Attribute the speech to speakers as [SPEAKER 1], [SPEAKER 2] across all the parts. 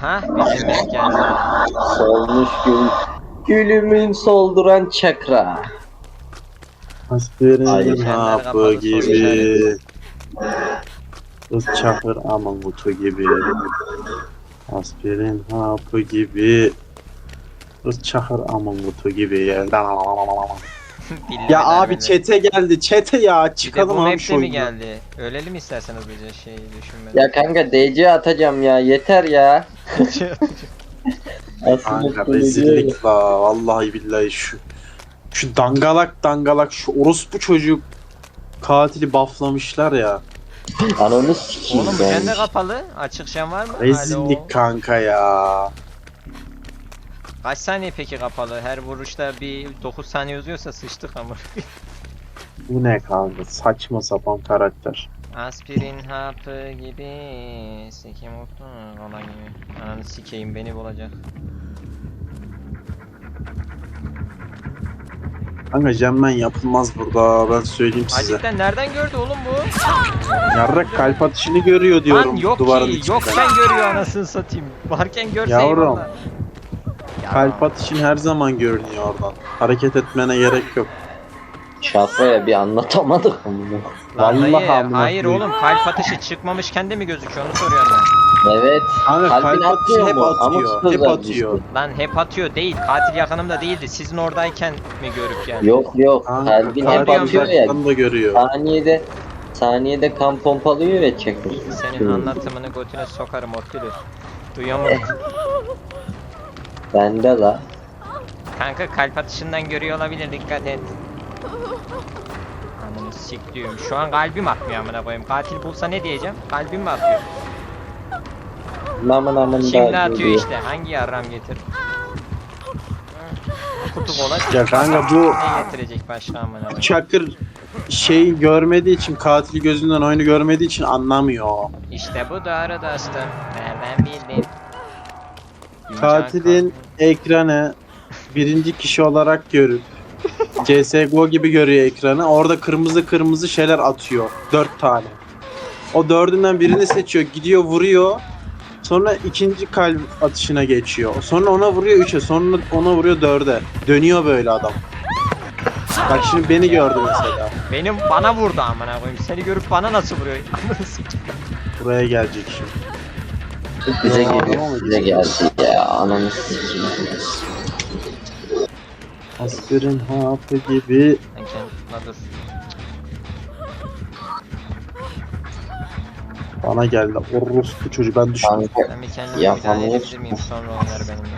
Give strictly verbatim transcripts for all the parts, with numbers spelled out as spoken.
[SPEAKER 1] Aha bizim renk geldi.
[SPEAKER 2] Solmuş gül. Gülümün solduran çakra.
[SPEAKER 3] Aspirin hapı
[SPEAKER 1] kapalı,
[SPEAKER 3] gibi. Kız çakır aman kutu gibi. Aspirin hapı gibi. Kız çakır aman kutu gibi. Ya abi çete geldi. Çete ya. Çıkalım
[SPEAKER 1] bu
[SPEAKER 3] abi
[SPEAKER 1] map'te
[SPEAKER 3] şu
[SPEAKER 1] mi
[SPEAKER 3] oyundan.
[SPEAKER 1] geldi? Ölelim isterseniz hızlıca şeyi düşünmeden.
[SPEAKER 2] Ya kanka D C atacağım ya yeter ya.
[SPEAKER 3] Kanka rezillik la. Vallahi billahi şu. Şu dangalak dangalak şu orospu çocuk katili bufflamışlar ya.
[SPEAKER 2] Ananı sikeyim
[SPEAKER 1] Oğlum bu
[SPEAKER 2] ben.
[SPEAKER 1] kendi kapalı. Açık şen var mı? Alo.
[SPEAKER 3] Rezillik kanka ya.
[SPEAKER 1] Kaç saniye peki kapalı? Her vuruşta bir dokuz saniye uzuyorsa sıçtık ama.
[SPEAKER 3] Bu ne kanka? Saçma sapan karakter.
[SPEAKER 1] Aspirin hapı gibi sikim oldu ona gibi. Ananı sikeyim beni bulacak.
[SPEAKER 3] Kanka Cemmen yapılmaz burada, ben söyleyeyim size.
[SPEAKER 1] Acikten nereden gördü oğlum bu?
[SPEAKER 3] Yarrak kalp atışını görüyor diyorum
[SPEAKER 1] Lan yok
[SPEAKER 3] duvarın
[SPEAKER 1] ki,
[SPEAKER 3] içinden.
[SPEAKER 1] yokken görüyor anasını satayım. Varken görse
[SPEAKER 3] Yavrum,
[SPEAKER 1] eyvallah. Ya.
[SPEAKER 3] Kalp atışın her zaman görünüyor oradan. Hareket etmene gerek yok.
[SPEAKER 2] Şafraya bir anlatamadık bunu.
[SPEAKER 1] Lan
[SPEAKER 3] Vallahi
[SPEAKER 1] dayı,
[SPEAKER 3] amına
[SPEAKER 1] hayır
[SPEAKER 3] koyayım.
[SPEAKER 1] oğlum kalp atışı çıkmamışken de mi gözüküyor onu soruyorum ben.
[SPEAKER 2] Evet.
[SPEAKER 3] Kanka
[SPEAKER 2] Kalbin
[SPEAKER 3] kalp atışı
[SPEAKER 2] atmıyor
[SPEAKER 3] hep
[SPEAKER 2] mu?
[SPEAKER 3] atıyor.
[SPEAKER 2] Amık
[SPEAKER 3] Hep
[SPEAKER 2] sözler
[SPEAKER 3] atıyor.
[SPEAKER 1] Lan hep atıyor değil, katil yakınımda değildi. Sizin oradayken mi görüp geldi?
[SPEAKER 2] Yok yok.
[SPEAKER 3] Kanka
[SPEAKER 2] Kalbin hep
[SPEAKER 3] kalp
[SPEAKER 2] atıyor ya.
[SPEAKER 3] uzaktan da görüyor.
[SPEAKER 2] Saniyede saniyede kan pompalıyor ve çekiyor.
[SPEAKER 1] Senin anlatımını götüne sokarım Ortülü. Duyamadım.
[SPEAKER 2] Bende la.
[SPEAKER 1] Kanka kalp atışından görüyor olabilir, dikkat et. Ananı sikliyorum. Şu an kalbim atmıyor amına koyayım. Katil bulsa ne diyeceğim? Kalbim mi atıyor?
[SPEAKER 2] Namın namın
[SPEAKER 1] Şimdi
[SPEAKER 2] da
[SPEAKER 1] atıyor
[SPEAKER 2] diyor.
[SPEAKER 1] işte. Hangi yarram getir? Kutu kola.
[SPEAKER 3] Ya kanka bu
[SPEAKER 1] Ne getirecek başka amına koyayım?
[SPEAKER 3] Çakır şey görmediği için, katili gözünden oyunu görmediği için anlamıyor.
[SPEAKER 1] İşte bu doğru dostum. Nereden bildin?
[SPEAKER 3] Katilin ekranı birinci kişi olarak görüp C S G O gibi görüyor ekranı. Orada kırmızı kırmızı şeyler atıyor. Dört tane. O dördünden birini seçiyor. Gidiyor vuruyor. Sonra ikinci kalp atışına geçiyor. Sonra ona vuruyor üçe. Sonra ona vuruyor dörde. Dönüyor böyle adam. Bak şimdi beni gördü mesela.
[SPEAKER 1] Benim bana vurdu amına koyayım. Seni görüp bana nasıl vuruyor? Ananı sikeyim.
[SPEAKER 3] Buraya gelecek şimdi.
[SPEAKER 2] Bize
[SPEAKER 3] Adama
[SPEAKER 2] geliyor.
[SPEAKER 3] mı
[SPEAKER 2] Bize
[SPEAKER 3] gidiyor?
[SPEAKER 2] geldi ya. Ananı sikeyim.
[SPEAKER 3] Aspirin hapı gibi.
[SPEAKER 1] Sen kendine dur.
[SPEAKER 3] Bana geldi. Orospu çocuğu, ben düştüm.
[SPEAKER 2] Kanka
[SPEAKER 1] Ben bir kendime
[SPEAKER 2] Ya,
[SPEAKER 1] müdahale
[SPEAKER 2] hamur.
[SPEAKER 1] edebilir miyim? Sonra oynar benimle.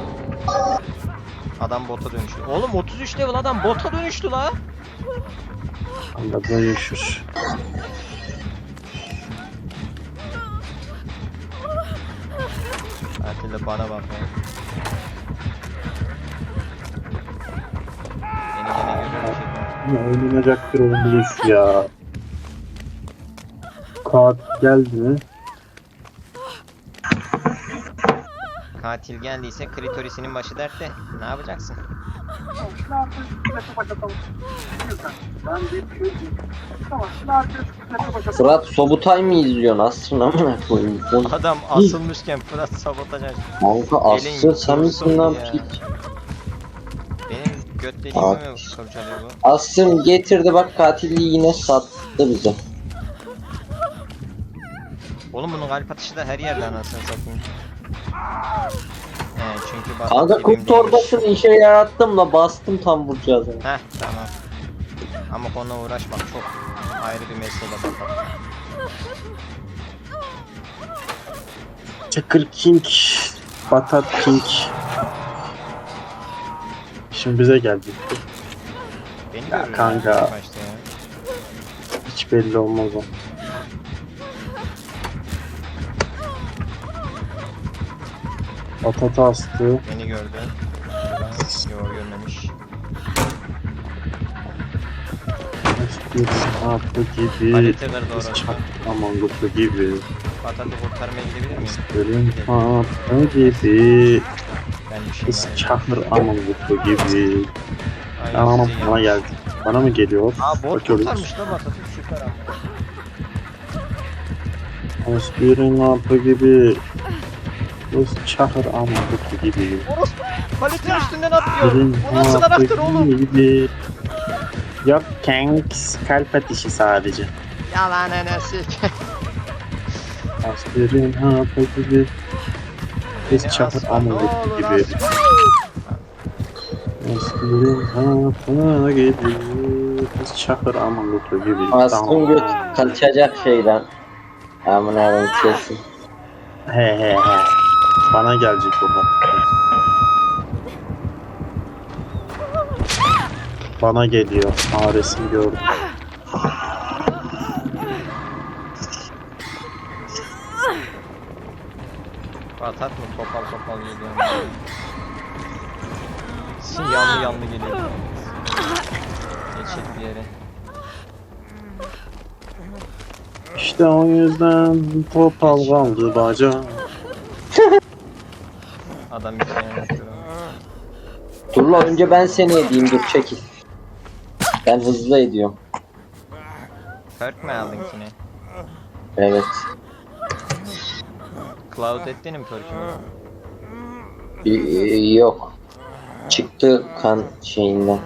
[SPEAKER 1] Adam bota dönüştü. Oğlum otuz üç level adam bota dönüştü la.
[SPEAKER 3] Anda dönüşür.
[SPEAKER 1] Katil de bana bak ya. Beni gene görüyor bir şey.
[SPEAKER 3] Ne oynanacak bir oyun değil şu ya. Katil geldi mi?
[SPEAKER 1] Katil geldiyse klitorisinin başı dertte. Ne yapacaksın?
[SPEAKER 2] Fırat Sobutay mı izliyorsun? Asrın amına koyayım. Bu-
[SPEAKER 1] Adam asılmışken Fırat sabotaj açtı.
[SPEAKER 2] Kanka
[SPEAKER 1] Elin
[SPEAKER 2] asıl sen misin lan
[SPEAKER 1] ya.
[SPEAKER 2] piç?
[SPEAKER 1] Benim göt deliğimi mi kurcalıyor bu?
[SPEAKER 2] Asrın getirdi bak katilliği yine sattı bize.
[SPEAKER 1] Oğlum bunun kalp atışı da her yerde anasını satayım. He çünkü bak.
[SPEAKER 2] Kanka kum torbasını işe yarattım la bastım tam vuracağız. Yani.
[SPEAKER 1] Heh tamam. Ama onunla uğraşmak çok ayrı bir mesele bak.
[SPEAKER 3] Çakır King. Batat King. Şimdi bize geldi.
[SPEAKER 1] Beni
[SPEAKER 3] Ya
[SPEAKER 1] görüyor
[SPEAKER 3] kanka.
[SPEAKER 1] ya başta ya.
[SPEAKER 3] Hiç belli olmaz o. Batat astı.
[SPEAKER 1] Beni gördü. Yok görmemiş.
[SPEAKER 3] Bir hapı gibi.
[SPEAKER 1] Palete ver doğru.
[SPEAKER 3] Aman kutu gibi.
[SPEAKER 1] Patatı kurtarmaya gidebilir miyim?
[SPEAKER 3] Aspirin hapı gibi.
[SPEAKER 1] Ben bir şey
[SPEAKER 3] Kız
[SPEAKER 1] var.
[SPEAKER 3] çakır aman kutu gibi.
[SPEAKER 1] Aynen,
[SPEAKER 3] Anam
[SPEAKER 1] size
[SPEAKER 3] bana
[SPEAKER 1] gelmiş.
[SPEAKER 3] geldi. Bana mı geliyor?
[SPEAKER 1] Aa bot
[SPEAKER 3] Bakıyoruz.
[SPEAKER 1] kurtarmış da Patatı süper ama.
[SPEAKER 3] Aspirin hapı gibi. Rus çakır ama kutu gibi.
[SPEAKER 1] Orospu paletin üstünden atlıyor.
[SPEAKER 3] Birin
[SPEAKER 1] Bu nasıl anahtır oğlum?
[SPEAKER 3] gibi. Yok Kanks kalp atışı sadece.
[SPEAKER 1] Yalanını sik.
[SPEAKER 3] Aspirin hapı gibi. Rus çakır ama kutu gibi. Aspirin hapı gibi. Rus çakır ama kutu gibi.
[SPEAKER 2] Aslım göt kaçacak şeyden. Aman Allah'ım kesin.
[SPEAKER 3] He he he. Bana gelecek o bak. Bana geliyor. Aa resim gördüm.
[SPEAKER 1] Atak mı topal topal geliyor. Sin yanlı yanlı geliyor. Geçecek bir yere.
[SPEAKER 3] İşte o yüzden topal kaldı baca.
[SPEAKER 1] Adam bir şey anlatıyor.
[SPEAKER 2] Dur la önce ben seni edeyim dur çekil. Ben hızlı ediyorum.
[SPEAKER 1] Perk mi aldın ki ne?
[SPEAKER 2] Evet.
[SPEAKER 1] Cloud ettin mi perk'ümü?
[SPEAKER 2] Y- yok. Çıktı kan şeyinden.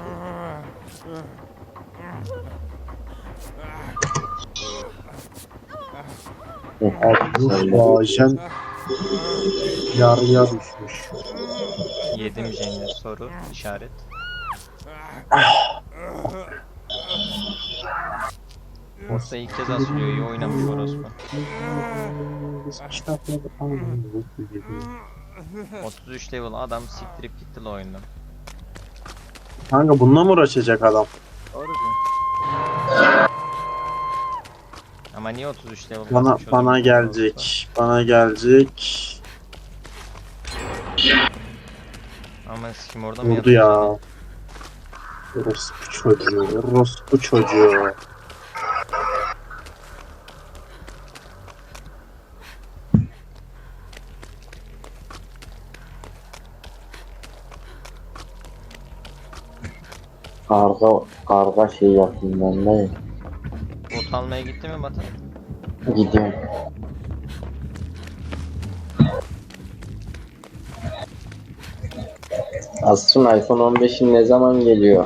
[SPEAKER 2] Hı,
[SPEAKER 3] Abi bu ajen yarıya düşmüş.
[SPEAKER 1] Yedim Jenny soru işaret. Orta ilk kez asılıyor, iyi oynamış orospu. otuz üç level adam siktirip gitti la oyundan.
[SPEAKER 3] Kanka bununla mı uğraşacak adam?
[SPEAKER 1] Doğru Ama niye otuz üç level
[SPEAKER 3] Bana
[SPEAKER 1] kasmış o
[SPEAKER 3] bana
[SPEAKER 1] zaman?
[SPEAKER 3] gelecek. Bana gelecek.
[SPEAKER 1] Ama sikim orada mı
[SPEAKER 3] Vurdu
[SPEAKER 1] yatıyor
[SPEAKER 3] ya. Orospu çocuğu. Orospu çocuğu.
[SPEAKER 2] Karga, karga şey yapayım ben de.
[SPEAKER 1] seni? Bot almaya gitti mi Batı?
[SPEAKER 2] Gidiyorum. Aslında iPhone on beşin ne zaman geliyor?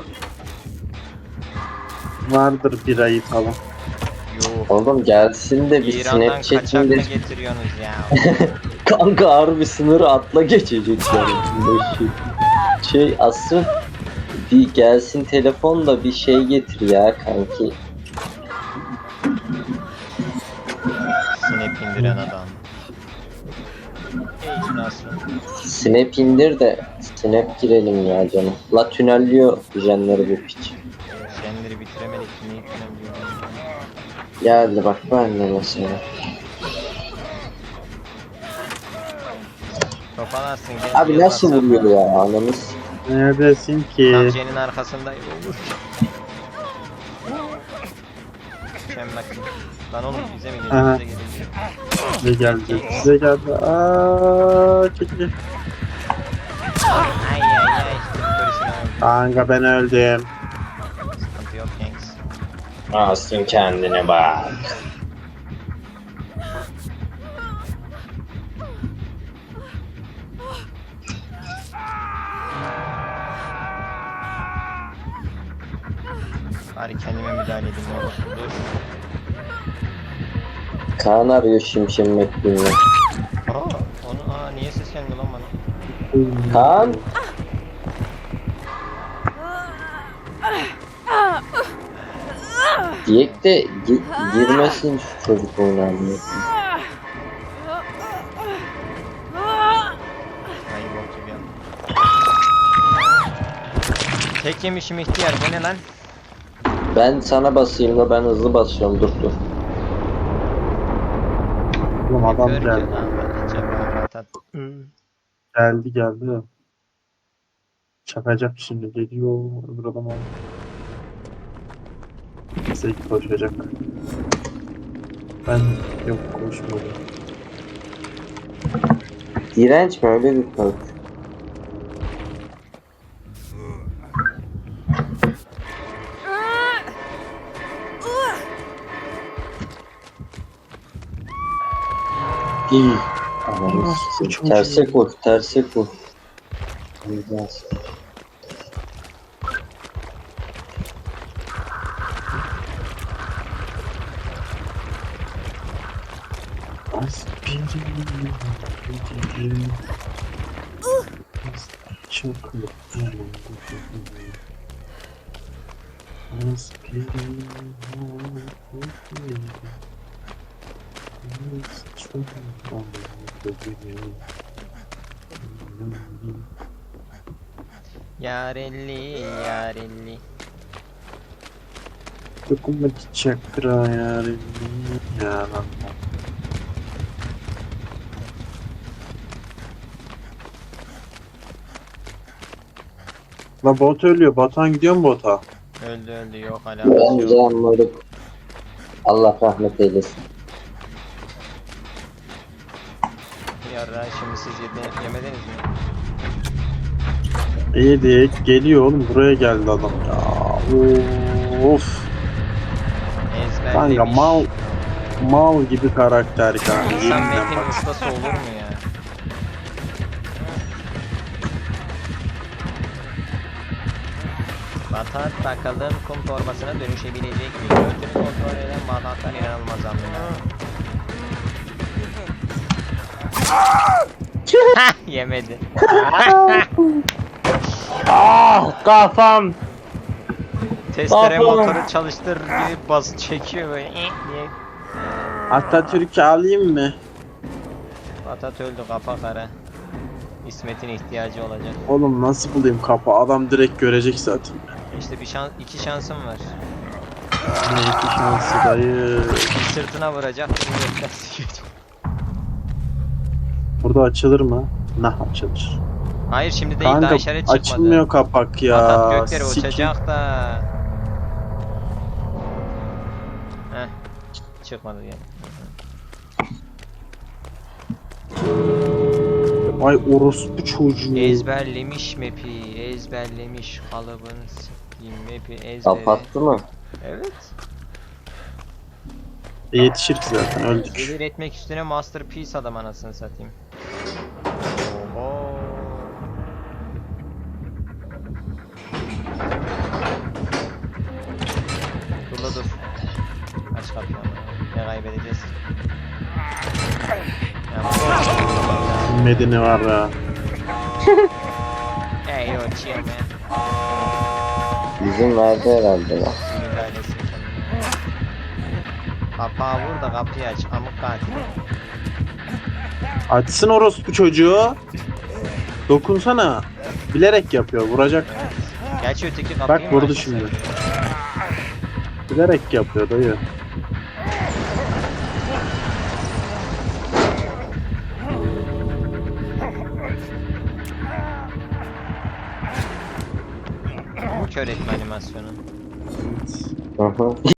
[SPEAKER 3] Vardır bir ayı falan.
[SPEAKER 1] Yok.
[SPEAKER 2] Oğlum gelsin de bir
[SPEAKER 1] İran'dan kaçak mı
[SPEAKER 2] Snapchat'inde
[SPEAKER 1] getiriyorsunuz ya?
[SPEAKER 2] kanka harbi sınırı atla geçecek yani. Şey, şey asıl bir gelsin telefonla bir şey getir ya kanki.
[SPEAKER 1] Snap indiren adam. Ey nasıl?
[SPEAKER 2] Snap indir de Snap girelim ya canım. La tünelliyor jenleri bu piç.
[SPEAKER 1] Jenleri bitiremedik ki neyi tünebiliyor?
[SPEAKER 2] Geldi bak ben de mesela.
[SPEAKER 1] Topalarsın gel.
[SPEAKER 2] Abi nasıl vuruyor ya anamız?
[SPEAKER 3] Neredesin
[SPEAKER 1] Tam
[SPEAKER 3] ki?
[SPEAKER 1] Jen'in arkasındayım. Olur. Mükemmel. Lan oğlum bize mi geliyor?
[SPEAKER 3] Aha.
[SPEAKER 1] Bize geliyor.
[SPEAKER 3] Bize geldi. Bize geldi. Aaa çekil.
[SPEAKER 1] Ay ay ay. Polisini aldım.
[SPEAKER 3] Kanka ben öldüm.
[SPEAKER 1] Sıkıntı yok Yanks.
[SPEAKER 2] Asın kendine bak.
[SPEAKER 1] Bari kendime müdahale edeyim oğlum. Dur.
[SPEAKER 2] Kaan arıyor Şimşek McQueen'le.
[SPEAKER 1] Aa, onu aa niye ses gelmiyor lan bana?
[SPEAKER 2] Kaan? Diyek de gi- girmesin şu çocuk oynanmıyor.
[SPEAKER 1] Ay bok gibi ya. Tek yemişim ihtiyar bu ne lan?
[SPEAKER 2] Ben sana basayım da ben hızlı basıyorum dur dur.
[SPEAKER 3] Oğlum adam
[SPEAKER 1] Kör
[SPEAKER 3] geldi.
[SPEAKER 1] ki lan, ben acaba rahat.
[SPEAKER 3] Geldi geldi. Çakacak şimdi geliyor. Öbür adam aldı. Bize koşacak. Ben yok koşmadım.
[SPEAKER 2] Direnç mi öyle bir perk? İyi. Anladım.
[SPEAKER 3] Orospu çocuğu.
[SPEAKER 2] Terse koy, terse koy. Biraz.
[SPEAKER 3] Aspirin. Çok mutluyum. Aspirin. Çok mutluyum.
[SPEAKER 1] Yarelli yarelli.
[SPEAKER 3] Dokunma çakra yarim. Yalan. La bot ölüyor. Batuhan gidiyor mu bota?
[SPEAKER 1] Öldü öldü yok hala.
[SPEAKER 2] Ben
[SPEAKER 1] yok.
[SPEAKER 2] can moruk. Allah rahmet eylesin.
[SPEAKER 1] Yarra şimdi siz yedi, yemediniz mi?
[SPEAKER 3] İyi diye geliyor oğlum. Buraya geldi adam ya. Of.
[SPEAKER 1] Ezberlemiş.
[SPEAKER 3] Kanka mal mal gibi karakter kanka.
[SPEAKER 1] İnsan
[SPEAKER 3] Yeminle
[SPEAKER 1] metin
[SPEAKER 3] bak.
[SPEAKER 1] ustası olur mu ya? Batat bakalım kum torbasına dönüşebilecek mi? Götünü kontrol eden batatlar inanılmaz anlıyor. Hah yemedi.
[SPEAKER 2] Ah kafam.
[SPEAKER 1] Testere
[SPEAKER 2] Baba.
[SPEAKER 1] motoru çalıştır gibi bas çekiyor böyle. eh diye.
[SPEAKER 3] Atatürk'ü alayım mı?
[SPEAKER 1] Batat öldü kafa kara. İsmet'in ihtiyacı olacak.
[SPEAKER 3] Oğlum nasıl bulayım kapı? Adam direkt görecek zaten.
[SPEAKER 1] İşte bir şans, iki şansım var.
[SPEAKER 3] Ne iki şansı dayı.
[SPEAKER 1] Bir sırtına vuracak, bir gökten sikecek.
[SPEAKER 3] Burada açılır mı? Nah açılır.
[SPEAKER 1] Hayır şimdi değil daha
[SPEAKER 3] Kanka
[SPEAKER 1] işaret çıkmadı.
[SPEAKER 3] açılmıyor kapak ya.
[SPEAKER 1] Batat göklere
[SPEAKER 3] Sikim.
[SPEAKER 1] uçacak da. Heh. Çıkmadı yani.
[SPEAKER 3] Ay orospu çocuğu.
[SPEAKER 1] Ezberlemiş map'i, ezberlemiş kalıbını sikeyim map'i ezbere.
[SPEAKER 2] Kapattı mı?
[SPEAKER 1] Evet.
[SPEAKER 3] E, yetişir ki zaten öldük.
[SPEAKER 1] Gelir etmek üstüne masterpiece adam anasını satayım. Oho. Dur la dur. Aç kapıyı ama. Ne kaybedeceğiz? Ya,
[SPEAKER 3] Medeni var ya.
[SPEAKER 1] Hey yo chill man.
[SPEAKER 2] İzin verdi herhalde lan.
[SPEAKER 1] Müdahalesi. Kapağı vur da kapıyı aç. Amık katil.
[SPEAKER 3] Açsın orospu çocuğu. Dokunsana. Bilerek yapıyor. Vuracak.
[SPEAKER 1] Gerçi öteki kapıyı
[SPEAKER 3] Bak
[SPEAKER 1] mı
[SPEAKER 3] vurdu
[SPEAKER 1] açtı
[SPEAKER 3] şimdi.
[SPEAKER 1] sen?
[SPEAKER 3] Bilerek yapıyor dayı.
[SPEAKER 1] Kör etme animasyonu.
[SPEAKER 2] Hı hı.